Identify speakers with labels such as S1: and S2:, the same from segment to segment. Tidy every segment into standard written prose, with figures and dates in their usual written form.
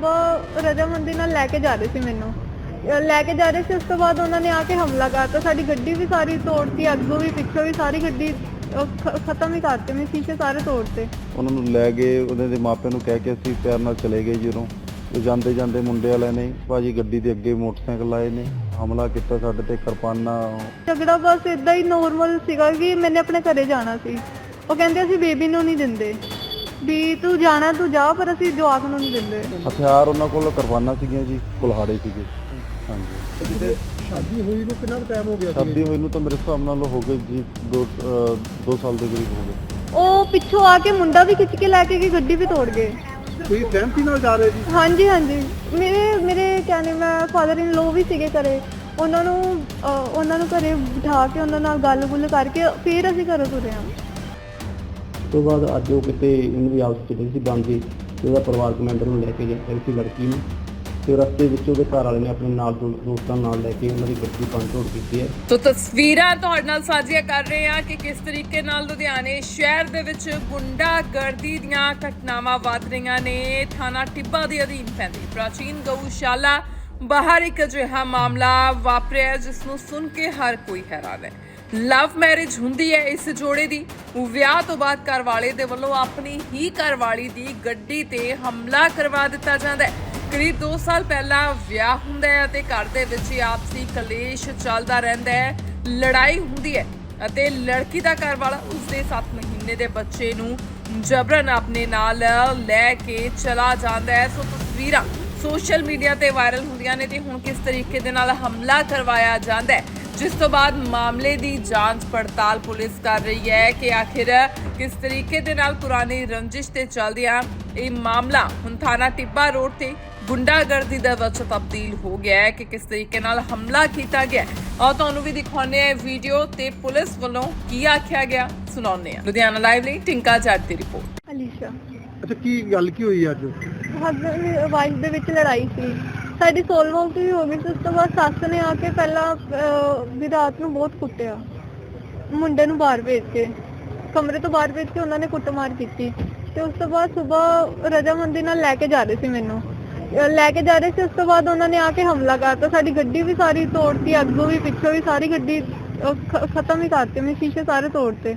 S1: ਸੁਬਾਹ ਰਜਾਮੰਦੀ ਨਾਲ ਲੈ ਕੇ ਜਾ ਰਹੇ ਸੀ ਮੈਨੂੰ ਲੈ ਕੇ ਜਾ ਰਹੇ ਸੀ। ਉਸ ਤੋਂ ਬਾਅਦ ਉਹਨਾਂ ਨੇ ਆ ਕੇ ਹਮਲਾ ਕਰਤਾ। ਸਾਡੀ ਗੱਡੀ ਵੀ ਸਾਰੀ ਤੋੜਤੀ, ਅੱਗੋਂ ਵੀ ਪਿੱਛੋਂ ਵੀ ਸਾਰੀ ਗੱਡੀ ਖਤਮ ਹੀ ਕਰਤੇ। ਮੇਰੇ ਸ਼ੀਸ਼ੇ ਸਾਰੇ ਤੋੜਤੇ।
S2: ਉਹਨਾਂ ਨੂੰ ਲੈ ਗਏ, ਉਹਨਾਂ ਦੇ ਮਾਪਿਆਂ ਨੂੰ ਕਹਿ ਕੇ ਅਸੀਂ ਪਿਆਰ ਨਾਲ ਚਲੇ ਗਏ। ਜਦੋਂ ਜਾਂਦੇ ਜਾਂਦੇ ਮੁੰਡੇ ਵਾਲਿਆਂ ਨੇ ਭਾਜੀ ਗੱਡੀ ਦੇ ਅੱਗੇ ਮੋਟਰਸਾਈਕਲ ਆਏ ਨੇ, ਹਮਲਾ ਕੀਤਾ ਸਾਡੇ ਤੇ, ਕਿਰਪਾਨਾਂ।
S1: ਝਗੜਾ ਬਸ ਇਦਾਂ ਹੀ ਨੋਰਮਲ ਸੀਗਾ ਕਿ ਮੈਨੇ ਆਪਣੇ ਘਰੇ ਜਾਣਾ ਸੀ। ਉਹ ਕਹਿੰਦੇ ਅਸੀਂ ਬੇਬੀ ਨੂੰ ਨਹੀਂ ਦਿੰਦੇ, ਵੀ ਤੂੰ ਜਾਣਾ ਤੂੰ ਜਾ, ਪਰ ਅਸੀਂ ਜਵਾਕ ਨੂੰ ਨਹੀਂ ਦਿੰਦੇ।
S2: ਹਥਿਆਰ ਉਹਨਾਂ ਕੋਲ ਕਿਰਪਾਨਾਂ ਸੀਗੀਆਂ ਜੀ, ਕੁਲਹਾੜੇ ਸੀਗੇ। ਹਾਂਜੀ।
S3: ਸ਼ਾਦੀ ਹੋਈ ਨੂੰ ਕਿੰਨਾ ਟਾਈਮ ਹੋ ਗਿਆ?
S2: ਸ਼ਾਦੀ ਹੋਈ ਨੂੰ ਤਾਂ ਮੇਰੇ ਹਿਸਾਬ ਨਾਲ ਹੋ ਗਏ ਜੀ 2 ਸਾਲ ਦੇ ਕਰੀਬ ਹੋ ਗਏ।
S1: ਉਹ ਪਿੱਛੋਂ ਆ ਕੇ ਮੁੰਡਾ ਵੀ ਖਿੱਚ ਕੇ ਲੈ ਕੇ ਗਈ, ਗੱਡੀ ਵੀ ਤੋੜ ਗਏ।
S3: ਤੁਸੀਂ ਸਹਿਮਤੀ ਨਾਲ ਜਾ ਰਹੇ ਜੀ?
S1: ਹਾਂਜੀ ਹਾਂਜੀ, ਮੇਰੇ ਕਹਿੰਦੇ ਮੈਂ ਫਾਦਰ ਇਨ ਲੋ ਵੀ ਸੀਗੇ ਘਰੇ। ਉਹਨਾਂ ਨੂੰ ਘਰੇ ਬਿਠਾ ਕੇ ਉਹਨਾਂ ਨਾਲ ਗੱਲ-ਗੁੱਲ ਕਰਕੇ ਫਿਰ ਅਸੀਂ ਘਰੋਂ ਤੁਰੇ ਹਾਂ।
S4: ਤੋਂ ਬਾਅਦ ਅੱਜ ਉਹ ਕਿਤੇ ਇਹਨੂੰ ਵੀ ਆਪਸ ਚ ਸੀ ਬਣਦੀ ਤੇ ਉਹਦਾ ਪਰਿਵਾਰਕ ਮੈਂਬਰ ਨੂੰ ਲੈ ਕੇ ਜਾ ਰਹੀ ਸੀ ਲੜਕੀ ਨੂੰ, ਤੇ ਰਸਤੇ ਵਿੱਚ ਉਹਦੇ ਘਰ ਵਾਲੇ ਨੇ ਆਪਣੇ ਨਾਲ ਦੋਸਤਾਂ ਨਾਲ ਲੈ ਕੇ ਉਹਨਾਂ ਦੀ ਗੱਡੀ ਭੰਨ-ਤੋੜ ਕੀਤੀ ਹੈ।
S5: ਤੋ ਤਸਵੀਰਾਂ ਤੁਹਾਡੇ ਨਾਲ ਸਾਂਝੀਆਂ ਕਰ ਰਹੇ ਹਾਂ ਕਿ ਕਿਸ ਤਰੀਕੇ ਨਾਲ ਲੁਧਿਆਣੇ ਸ਼ਹਿਰ ਦੇ ਵਿੱਚ ਗੁੰਡਾਗਰਦੀ ਦੀਆਂ ਘਟਨਾਵਾਂ ਵੱਧ ਰਹੀਆਂ ਨੇ। ਥਾਣਾ ਟਿੱਬਾ ਦੇ ਅਧੀਨ ਪੈਂਦੀ ਪ੍ਰਾਚੀਨ ਗਊਸ਼ਾਲਾ ਬਾਹਰ ਇੱਕ ਅਜਿਹਾ ਮਾਮਲਾ ਵਾਪਰਿਆ ਜਿਸ ਨੂੰ ਸੁਣ ਕੇ ਹਰ ਕੋਈ ਹੈਰਾਨ ਹੈ। ਲਵ ਮੈਰਿਜ ਹੁੰਦੀ ਹੈ ਇਸ ਜੋੜੇ ਦੀ। ਵਿਆਹ ਤੋਂ ਬਾਅਦ ਘਰ ਵਾਲੇ ਦੇ ਵੱਲੋਂ ਆਪਣੀ ਹੀ ਘਰਵਾਲੀ ਦੀ ਗੱਡੀ ਤੇ ਹਮਲਾ ਕਰਵਾ ਦਿੱਤਾ ਜਾਂਦਾ ਹੈ। ਕਰੀਬ 2 ਸਾਲ ਪਹਿਲਾਂ ਵਿਆਹ ਹੁੰਦਾ ਹੈ ਅਤੇ ਘਰ ਦੇ ਵਿੱਚ ਆਪਸੀ ਕਲੇਸ਼ ਚੱਲਦਾ ਰਹਿੰਦਾ ਹੈ, ਲੜਾਈ ਹੁੰਦੀ ਹੈ ਅਤੇ ਲੜਕੀ ਦਾ ਘਰ ਵਾਲਾ ਉਸਦੇ 7 ਮਹੀਨੇ ਦੇ ਬੱਚੇ ਨੂੰ ਜਬਰਨ ਆਪਣੇ ਨਾਲ ਲੈ ਕੇ ਚਲਾ ਜਾਂਦਾ ਹੈ। ਸੋ ਤਸਵੀਰਾਂ ਸੋਸ਼ਲ ਮੀਡੀਆ ਤੇ ਵਾਇਰਲ ਹੁੰਦੀਆਂ ਨੇ ਤੇ ਹੁਣ ਕਿਸ ਤਰੀਕੇ ਦੇ ਨਾਲ ਹਮਲਾ ਕਰਵਾਇਆ ਜਾਂਦਾ ਹੈ, ਜਿਸ ਤੋਂ ਬਾਅਦ ਮਾਮਲੇ ਦੀ ਜਾਂਚ ਪੜਤਾਲ ਪੁਲਿਸ ਕਰ ਰਹੀ ਹੈ ਕਿ ਆਖਿਰ ਕਿਸ ਤਰੀਕੇ ਦੇ ਨਾਲ ਪੁਰਾਣੀ ਰੰਜਿਸ਼ ਤੇ ਚੱਲਦਿਆਂ ਇਹ ਮਾਮਲਾ ਹੁਣ ਥਾਣਾ ਟਿੱਬਾ ਰੋਡ ਤੇ ਗੁੰਡਾਗਰਦੀ ਦੇ ਵਿੱਚ ਤਬਦੀਲ ਹੋ ਗਿਆ ਹੈ ਕਿ ਕਿਸ ਤਰੀਕੇ ਨਾਲ ਹਮਲਾ ਕੀਤਾ ਗਿਆ। ਆਓ ਤੁਹਾਨੂੰ ਵੀ ਦਿਖਾਉਂਦੇ ਹਾਂ ਵੀਡੀਓ ਤੇ ਪੁਲਿਸ ਵੱਲੋਂ ਕੀ ਆਖਿਆ ਗਿਆ, ਸੁਣਾਉਂਦੇ ਹਾਂ। ਲੁਧਿਆਣਾ ਲਾਈਵ ਲਈ ਟਿੰਕਾ ਜੱਟ ਦੀ ਰਿਪੋਰਟ।
S1: ਅਲੀਸ਼ਾ।
S3: ਅੱਛਾ, ਕੀ ਗੱਲ ਕੀ ਹੋਈ ਅੱਜ?
S1: ਹਸਬੈਂਡ ਵਾਈਫ ਦੇ ਵਿੱਚ ਲੜਾਈ ਸੀ ਸਾਡੀ, ਸੋਲਵ ਆਊਟ ਵੀ ਹੋ ਗਈ ਸੀ। ਉਸ ਤੋਂ ਬਾਅਦ ਸੱਸ ਨੇ ਆ ਕੇ ਪਹਿਲਾਂ ਵੀ ਰਾਤ ਨੂੰ ਬਹੁਤ ਕੁੱਟਿਆ, ਮੁੰਡੇ ਨੂੰ ਬਾਹਰ ਭੇਜ ਕੇ, ਕਮਰੇ ਤੋਂ ਬਾਹਰ ਭੇਜ ਕੇ ਉਹਨਾਂ ਨੇ ਕੁੱਟਮਾਰ ਕੀਤੀ। ਤੇ ਉਸ ਤੋਂ ਬਾਅਦ ਸਵੇਰ ਰਜਾਮੰਦੀ ਨਾਲ ਲੈ ਕੇ ਜਾ ਰਹੇ ਸੀ ਮੈਨੂੰ ਲੈ ਕੇ ਜਾ ਰਹੇ ਸੀ। ਉਸ ਤੋਂ ਬਾਅਦ ਉਹਨਾਂ ਨੇ ਆ ਕੇ ਹਮਲਾ ਕਰਤਾ। ਸਾਡੀ ਗੱਡੀ ਵੀ ਸਾਰੀ ਤੋੜਤੀ, ਅੱਗੋਂ ਵੀ ਪਿੱਛੋਂ ਵੀ ਸਾਰੀ ਗੱਡੀ ਖਤਮ ਹੀ ਕਰਤੀ। ਮੇਰੇ ਸ਼ੀਸ਼ੇ ਸਾਰੇ ਤੋੜਤੇ।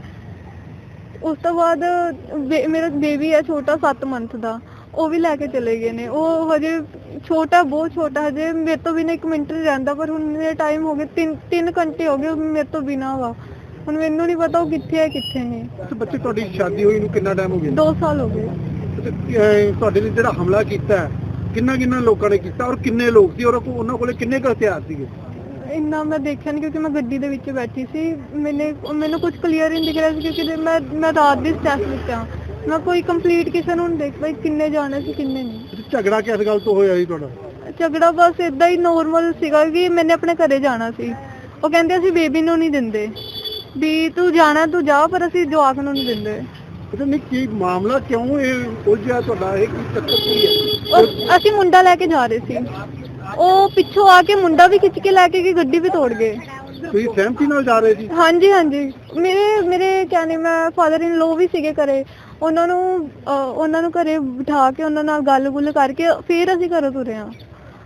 S1: ਉਸ ਤੋਂ ਬਾਅਦ ਮੇਰਾ ਬੇਬੀ ਹੈ ਛੋਟਾ 7 ਮੰਥ ਦਾ, ਉਹ ਵੀ ਲੈ ਕੇ ਚਲੇ ਗਏ ਨੇ। ਉਹ ਹਜੇ ਛੋਟਾ, ਬਹੁਤ ਛੋਟਾ, ਹਜੇ ਮੇਰੇ ਤੋਂ ਬਿਨਾਂ 1 ਮਿੰਟ ਨਹੀਂ ਰਹਿੰਦਾ। ਪਰ ਹੁਣ ਮੇਰੇ ਟਾਈਮ ਹੋ ਗਏ 3 ਘੰਟੇ ਹੋ ਗਏ ਮੇਰੇ ਤੋਂ ਬਿਨਾਂ ਵਾ। ਹੁਣ ਮੈਨੂੰ ਨਹੀਂ ਪਤਾ ਉਹ ਕਿੱਥੇ ਹੈ ਕਿੱਥੇ ਨਹੀਂ।
S3: ਅੱਛਾ, ਬੱਚੇ ਤੁਹਾਡੀ ਸ਼ਾਦੀ ਹੋਈ ਨੂੰ ਕਿੰਨਾ ਟਾਈਮ ਹੋ ਗਿਆ?
S1: 2 ਸਾਲ ਹੋ ਗਏ।
S3: ਤੁਹਾਡੇ ਨੇ ਜਿਹੜਾ ਹਮਲਾ ਕੀਤਾ ਕਿੰਨਾ ਲੋਕਾਂ ਨੇ ਕੀਤਾ ਔਰ ਕਿੰਨੇ ਲੋਕ ਸੀ ਔਰ ਉਹਨਾਂ ਕੋਲੇ ਕਿੰਨੇ ਕੁ ਹਥਿਆਰ ਸੀਗੇ?
S1: ਇੰਨਾ ਮੈਂ ਦੇਖਿਆ ਨਹੀਂ ਕਿਉਂਕਿ ਮੈਂ ਗੱਡੀ ਦੇ ਵਿੱਚ ਬੈਠੀ ਸੀ। ਮੈਨੂੰ ਕੁਝ ਕਲੀਅਰ ਨਹੀਂ ਦਿਖ ਰਿਹਾ ਸੀ ਕਿਉਂਕਿ ਮੈਂ ਰਾਤ ਦੀ ਸਟੈਪ ਵਿੱਚ ਆ। ਮੈਂ ਕੋਈ ਕੰਪਲੀਟ ਕਿਸੇ ਨੂੰ ਨਹੀਂ ਦੇਖ ਪਾਈ ਕਿੰਨੇ ਜਾਣੇ ਸੀ ਕਿੰਨੇ ਨਹੀਂ।
S3: ਝਗੜਾ ਕਿਸ ਗੱਲ ਤੋਂ ਹੋਇਆ ਜੀ ਤੁਹਾਡਾ?
S1: ਝਗੜਾ ਬਸ ਇਦਾਂ ਹੀ ਨੋਰਮਲ ਸੀਗਾ ਕਿ ਮੈਨੇ ਆਪਣੇ ਘਰੇ ਜਾਣਾ ਸੀ। ਉਹ ਕਹਿੰਦੇ ਅਸੀਂ ਬੇਬੀ ਨੂੰ ਨਹੀਂ ਦਿੰਦੇ, ਵੀ ਤੂੰ ਜਾਣਾ ਤੂੰ ਜਾ, ਪਰ ਅਸੀਂ ਜਵਾਕ ਨੂੰ ਨਹੀਂ ਦਿੰਦੇ।
S3: ਅੱਛਾ, ਨਹੀਂ ਕੀ ਮਾਮਲਾ ਕਿਉਂ ਇਹ ਉਲਝਿਆ ਤੁਹਾਡਾ? ਇਹ ਕੀ ਚੱਕਰ ਕੀ ਹੈ?
S1: ਅਸੀਂ ਮੁੰਡਾ ਲੈ ਕੇ ਜਾ ਰਹੇ ਸੀ। ਉਹ ਪਿੱਛੋਂ ਆ ਕੇ ਮੁੰਡਾ ਵੀ ਖਿੱਚ ਕੇ ਲੈ ਕੇ ਗਈ, ਗੱਡੀ ਵੀ ਤੋੜ ਗਏ।
S3: ਤੁਸੀਂ ਸਹਿਮਤੀ ਨਾਲ ਜਾ ਰਹੇ ਸੀ?
S1: ਹਾਂਜੀ ਹਾਂਜੀ, ਮੇਰੇ ਕਹਿੰਦੇ ਮੈਂ ਫਾਦਰ ਇਨ ਲੋ ਵੀ ਸੀਗੇ ਘਰੇ। ਉਹਨਾਂ ਨੂੰ ਘਰੇ ਬਿਠਾ ਕੇ ਉਹਨਾਂ ਨਾਲ ਗੱਲ-ਗੁੱਲ ਕਰਕੇ ਫਿਰ ਅਸੀਂ ਘਰੋਂ ਤੁਰੇ ਹਾਂ।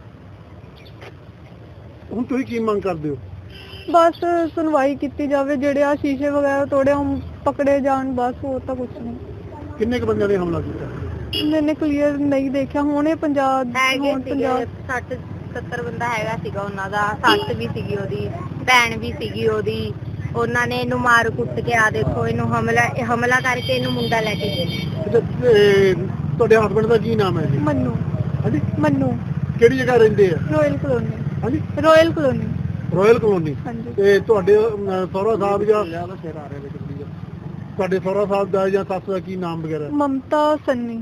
S3: ਹੁਣ ਤੁਸੀਂ ਕੀ ਮੰਗ ਕਰਦੇ ਹੋ?
S1: ਬਸ ਸੁਣਵਾਈ ਕੀਤੀ ਜਾਵੇ, ਜਿਹੜੇ ਆ ਸ਼ੀਸ਼ੇ ਵਗੈਰਾ ਤੋੜੇ ਉਹ ਪਕੜੇ ਜਾਣ, ਬਸ ਹੋਰ ਤਾਂ ਕੁਝ ਨਹੀਂ।
S3: ਕਿੰਨੇ ਕੁ ਬੰਦਿਆਂ ਨੇ ਹਮਲਾ ਕੀਤਾ?
S1: ਮੈਨੇ ਕਲੀਅਰ ਨਹੀਂ ਦੇਖਿਆ। ਹੁਣ ਇਹ
S6: 60-70 ਬੰਦਾ ਹੈਗਾ ਸੀਗਾ ਉਹਨਾਂ ਦਾ। ਸੱਸ ਵੀ ਸੀਗੀ ਉਹਦੀ, ਭੈਣ ਵੀ ਸੀਗੀ ਉਹਦੀ। ਉਹਨਾਂ ਨੇ ਇਹਨੂੰ ਮਾਰ ਕੁੱਟ ਕੇ ਆ ਦੇਖੋ ਇਹਨੂੰ ਹਮਲਾ ਕਰਕੇ ਇਹਨੂੰ ਮੁੰਡਾ ਲੈ ਕੇ ਗਏ।
S3: ਤੁਹਾਡੇ ਹਸਬੰਡ ਦਾ ਕੀ ਨਾਮ ਹੈ ਜੀ?
S1: ਮੰਨੂ।
S3: ਹਾਂਜੀ,
S1: ਮੰਨੂ।
S3: ਕਿਹੜੀ ਜਗ੍ਹਾ ਰਹਿੰਦੇ ਆ?
S1: Royal Colony.
S3: ਹਾਂਜੀ,
S1: ਰਾਇਲ ਕਲੋਨੀ।
S3: Royal Colony.
S1: ਹਾਂਜੀ।
S3: ਤੇ ਤੁਹਾਡੇ ਸਹੁਰਾ ਸਾਹਿਬ ਜਾਂ ਤੁਹਾਡੇ ਸਹੁਰਾ ਸਾਹਿਬ ਦਾ ਜਾਂ ਸੱਸ ਦਾ ਕੀ ਨਾਮ ਵਗੈਰਾ?
S1: ਮਮਤਾ ਸੰਨੀ।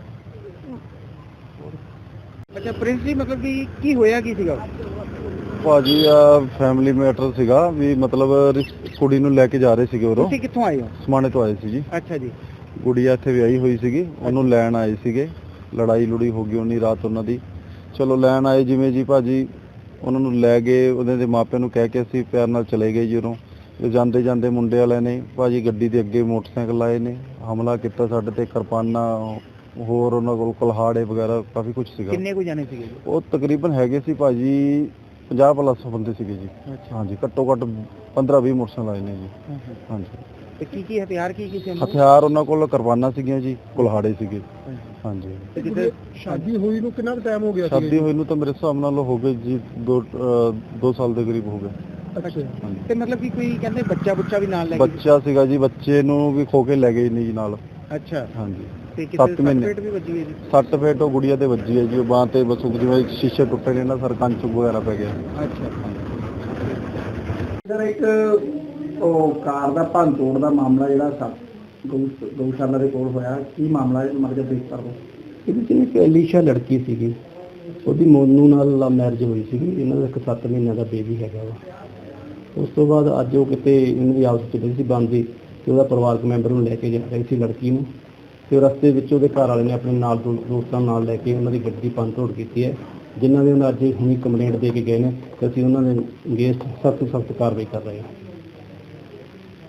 S3: ਅੱਛਾ ਪ੍ਰਿੰਸ ਜੀ, ਮਤਲਬ ਕਿ ਕੀ ਹੋਇਆ ਕੀ ਸੀਗਾ?
S2: ਭਾਜੀ ਫੈਮਿਲੀ ਮੈਟਰ ਸੀਗਾ ਵੀ, ਮਤਲਬ ਕੁੜੀ ਨੂੰ ਲੈ ਕੇ ਜਾ ਰਹੇ ਸੀਗੇ ਉਰੋਂ।
S3: ਤੁਸੀਂ ਕਿੱਥੋਂ ਆਏ ਹੋ?
S2: ਸਮਾਣੇ ਤੋਂ ਆਏ ਸੀ ਜੀ।
S3: ਅੱਛਾ ਜੀ।
S2: ਗੁੜੀਆ ਇੱਥੇ ਵਿਆਹੀ ਹੋਈ ਸੀਗੀ, ਉਹਨੂੰ ਲੈਣ ਆਏ ਸੀਗੇ। ਲੜਾਈ ਲੁੜੀ ਹੋ ਗਈ ਉਹਨੀ ਰਾਤ ਉਹਨਾਂ ਦੀ। ਚਲੋ ਲੈਣ ਆਏ ਜਿਵੇਂ ਜੀ ਭਾਜੀ, ਉਹਨਾਂ ਨੂੰ ਲੈ ਗਏ, ਉਹਨਾਂ ਦੇ ਮਾਪਿਆਂ ਨੂੰ ਕਹਿ ਕੇ ਅਸੀਂ ਪਿਆਰ ਨਾਲ ਚਲੇ ਗਏ। ਜਦੋਂ ਜਾਂਦੇ ਜਾਂਦੇ ਮੁੰਡੇ ਵਾਲਿਆਂ ਨੇ ਭਾਜੀ ਗੱਡੀ ਦੇ ਅੱਗੇ ਮੋਟਰਸਾਈਕਲ ਆਏ ਨੇ, ਹਮਲਾ ਕੀਤਾ ਸਾਡੇ ਤੇ, ਕਿਰਪਾਨਾਂ ਹੋਰ ਉਹਨਾਂ ਕੋਲ ਕੁਲਹਾੜੇ ਵਗੈਰਾ ਕਾਫੀ ਕੁਝ ਸੀਗਾ।
S3: ਕਿੰਨੇ ਕੁ ਜਾਣੇ ਸੀਗੇ ਜੀ?
S2: ਉਹ ਤਕਰੀਬਨ ਹੈਗੇ ਸੀ ਭਾਜੀ 50 ਪਲੱਸ ਬੰਦੇ ਸੀਗੇ ਜੀ।
S3: ਅੱਛਾ।
S2: ਹਾਂਜੀ, ਘੱਟੋ ਘੱਟ 15-20 ਮੋਟਰਸਾਈਕਲ ਆਏ ਨੇ ਜੀ। ਹਾਂਜੀ,
S3: ਤੇ ਕੀ ਹਥਿਆਰ ਕੀ ਸੀ?
S2: ਹਥਿਆਰ ਉਹਨਾਂ ਕੋਲ ਕਿਰਪਾਨਾਂ ਸੀਗੀਆਂ ਜੀ, ਕੁਲਹਾੜੇ ਸੀਗੇ। ਹਾਂਜੀ,
S3: ਤੇ ਜਿੱਥੇ ਸ਼ਾਦੀ ਹੋਈ ਨੂੰ ਕਿੰਨਾ ਟਾਈਮ ਹੋ ਗਿਆ ਸੀ?
S2: ਸ਼ਾਦੀ ਹੋਈ ਨੂੰ ਤਾਂ ਮੇਰੇ ਹਿਸਾਬ ਨਾਲ ਹੋ ਗਏ ਜੀ 2 ਸਾਲ ਦੇ ਕਰੀਬ ਹੋ ਗਏ।
S3: ਅੱਛਾ।
S2: ਹਾਂਜੀ,
S3: ਤੇ ਮਤਲਬ ਕਿ ਕੋਈ ਕਹਿੰਦੇ ਬੱਚਾ ਵੀ ਨਾਲ ਲੈ ਕੇ?
S2: ਬੱਚਾ ਸੀਗਾ ਜੀ, ਬੱਚੇ ਨੂੰ ਵੀ ਖੋ ਕੇ ਲੈ ਗਏ ਨਹੀਂ ਜੀ ਨਾਲ।
S3: ਅੱਛਾ।
S2: ਹਾਂਜੀ,
S3: ਤੇ
S2: 7
S3: ਕਿਸੇ
S2: ਮਹੀਨੇ
S3: ਪੇਟ ਵੀ ਵੱਜੀ ਹੈ ਜੀ?
S2: 6 ਫੇਟ ਉਹ ਗੁੜੀਆ ਤੇ ਵੱਜੀ ਹੈ ਜੀ, ਉਹ ਬਾਂਹ ਤੇ ਬਸ ਜਿਵੇਂ ਸ਼ੀਸ਼ੇ ਟੁੱਟੇ ਨੇ ਨਾ ਸਰ, ਕੰਚ ਵਗੈਰਾ ਪੈ ਗਿਆ।
S3: ਅੱਛਾ।
S4: ਸਰ ਇੱਕ ਉਹ ਕਾਰ ਦਾ ਭੰਨ ਤੋੜ ਦਾ ਮਾਮਲਾ ਜਿਹੜਾ ਗਊਸ਼ਾਲਾ ਦੇ ਕੋਲ ਹੋਇਆ, ਕੀ ਮਾਮਲਾ ਹੈ ਮਰਜ਼ਾ ਬਰੀਫ ਕਰ ਦਿਓ। ਇਹਦੇ 'ਚ ਇੱਕ ਅਲੀਸ਼ਾ ਲੜਕੀ ਸੀਗੀ, ਉਹਦੀ ਮੋਨੂ ਨਾਲ ਲਵ ਮੈਰਿਜ ਹੋਈ ਸੀਗੀ, ਇਹਨਾਂ ਦਾ ਇੱਕ 7 ਮਹੀਨਿਆਂ ਦਾ ਬੇਬੀ ਹੈਗਾ ਵਾ। ਉਸ ਤੋਂ ਬਾਅਦ ਅੱਜ ਉਹ ਕਿਤੇ ਇਹਨਾਂ ਦੀ ਆਪਸ 'ਚ ਚੱਲੀ ਸੀ ਬਣਦੀ, ਤੇ ਉਹਦਾ ਪਰਿਵਾਰਕ ਮੈਂਬਰ ਨੂੰ ਲੈ ਕੇ ਜਾ ਰਹੀ ਸੀ ਲੜਕੀ ਨੂੰ, ਤੇ ਰਸਤੇ ਵਿੱਚ ਉਹਦੇ ਘਰ ਵਾਲੇ ਨੇ ਆਪਣੇ ਨਾਲ ਦੋਸਤਾਂ ਨਾਲ ਲੈ ਕੇ ਉਹਨਾਂ ਦੀ ਗੱਡੀ ਭੰਨ ਤੋੜ ਕੀਤੀ ਹੈ, ਜਿਨ੍ਹਾਂ ਦੇ ਉਹਨਾਂ ਅੱਜ ਹੁਣੀ ਕੰਪਲੇਂਟ ਦੇ ਕੇ ਗਏ ਨੇ, ਤੇ ਅਸੀਂ ਉਹਨਾਂ ਦੇ ਅਗੇਂਸਟ ਸਖਤ ਕਾਰਵਾਈ ਕਰ ਰਹੇ ਹਾਂ।